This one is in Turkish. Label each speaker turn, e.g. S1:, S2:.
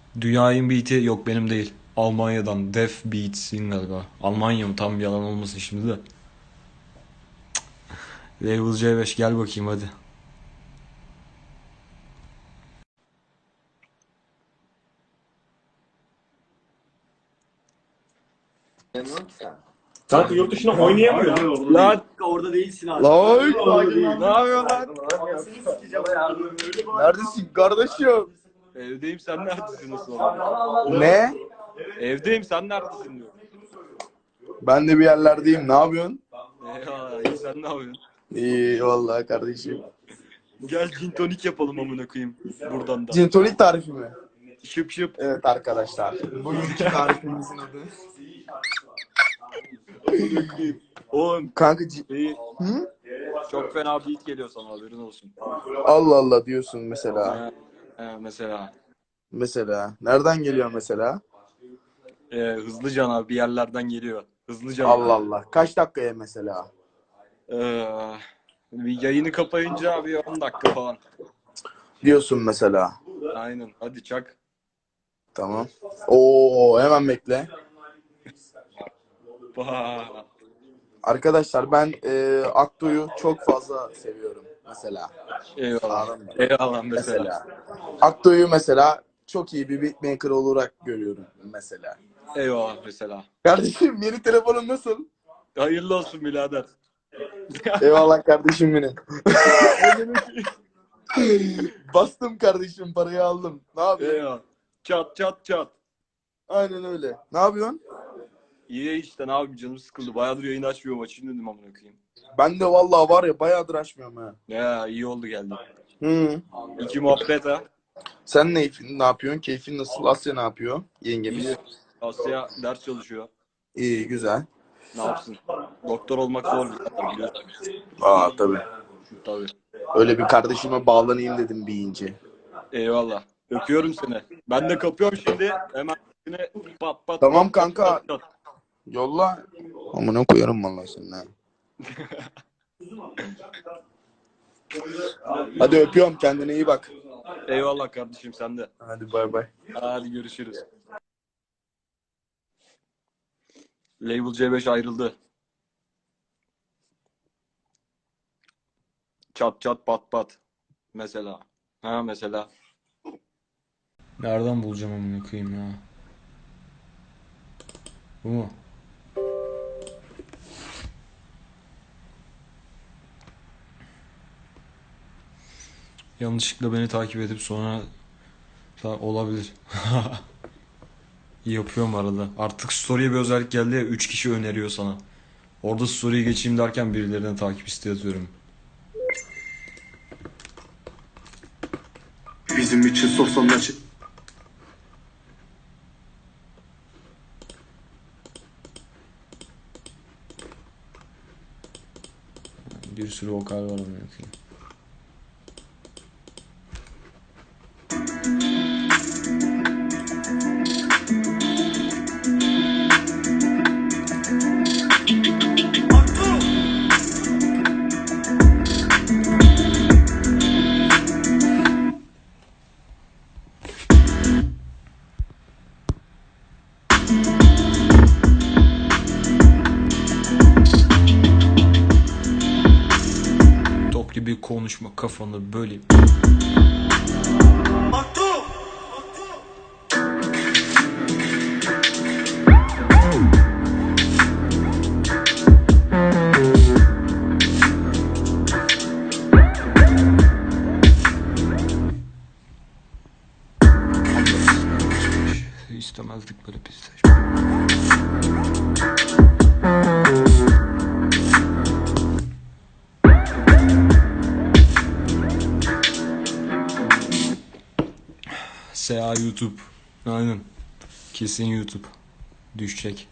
S1: Dünyayın beat'i yok benim değil. Almanya'dan Def Beats'in galiba. Almanya mı tam yalan olmasın şimdi de. Label C5 gel bakayım hadi.
S2: Kanka yurt dışına oynayamıyor.
S1: Lan
S3: Orada değilsin abi.
S4: Lan
S1: ne yapıyorsun lan?
S4: neredesin kardeşim?
S1: Evdeyim sen neredesin nasıl oldu?
S4: Ne?
S1: Evdeyim sen neredesin diyor.
S4: Ben de bir yerlerdeyim. Ne yapıyorsun?
S1: Eyvallah iyi sen ne yapıyorsun?
S4: İyi vallahi kardeşim.
S1: Gel gin tonik yapalım amına koyayım buradan da.
S4: Gin tonic tarifi mi?
S1: Şıp şıp.
S4: Evet arkadaşlar. Bugünkü tarifimizin adı.
S1: Oğlum
S4: Kanka
S1: iyi.
S4: Hı?
S1: Çok fena beat geliyor sana haberin olsun.
S4: Allah Allah diyorsun mesela.
S1: Mesela.
S4: Mesela. Nereden geliyor mesela?
S1: Hızlıca abi bir yerlerden geliyor. Hızlıca.
S4: Allah Allah. Kaç dakikaya mesela?
S1: Bir yayını kapayınca abi 10 dakika falan.
S4: Diyorsun mesela.
S1: Aynen hadi çak.
S4: Tamam. Oo hemen bekle.
S1: Bah.
S4: Arkadaşlar ben Akdo'yu çok fazla seviyorum mesela.
S1: Eyvallah.
S4: Anladın mı?
S1: Eyvallah mesela.
S4: Akdo'yu mesela çok iyi bir beatmaker olarak görüyorum mesela.
S1: Eyvallah mesela.
S4: Kardeşim yeni telefonun nasıl?
S1: Hayırlı olsun birader.
S4: Eyvallah kardeşim benim. Bastım kardeşim parayı aldım. Ne yapıyorsun?
S1: Eyvallah. Çat çat çat.
S4: Aynen öyle. Ne yapıyorsun?
S1: İyi işte ne yapayım canım sıkıldı. Bayağıdır yayın açmıyorum açayım dedim amına koyayım.
S4: Ben de vallahi var ya bayağıdır açmıyorum ha.
S1: Ya iyi oldu geldi.
S4: Hı.
S1: İki muhabbet ha.
S4: Sen ne yapıyorsun? Keyfin nasıl? Asya ne yapıyor? Yengemiz.
S1: İyi. Asya ders çalışıyor.
S4: İyi güzel.
S1: Ne yapsın? Doktor olmak zor bir biliyorsun.
S4: Aa tabii.
S1: Tabii.
S4: Öyle bir kardeşime bağlanayım dedim bir ince.
S1: Eyvallah. Öpüyorum seni. Ben de kapıyorum şimdi. Hemen yine pat pat.
S4: Tamam
S1: pat, pat,
S4: kanka.
S1: pat, pat.
S4: Yolla. Amına koyarım vallahi seni ha. Hadi öpüyorum kendine iyi bak.
S1: Eyvallah kardeşim sen de.
S4: Hadi bay bay.
S1: Hadi görüşürüz. Label C5 ayrıldı. Çat çat pat pat. Mesela. Ha mesela. Nereden bulacağım amına koyayım ya? Bu mu? Yanlışlıkla beni takip edip sonra olabilir. Yapıyorum arada. Artık story'e bir özellik geldi ya 3 kişi öneriyor sana. Orada story'e geçeyim derken birilerine takip isteği atıyorum.
S3: Bizim için sosyalleşin.
S1: Bir sürü vokal var amına koyayım. Top gibi konuşma kafanı böleyim. İstemezdik böyle pis saçma. SA YouTube. Aynen. Kesin YouTube. Düşecek.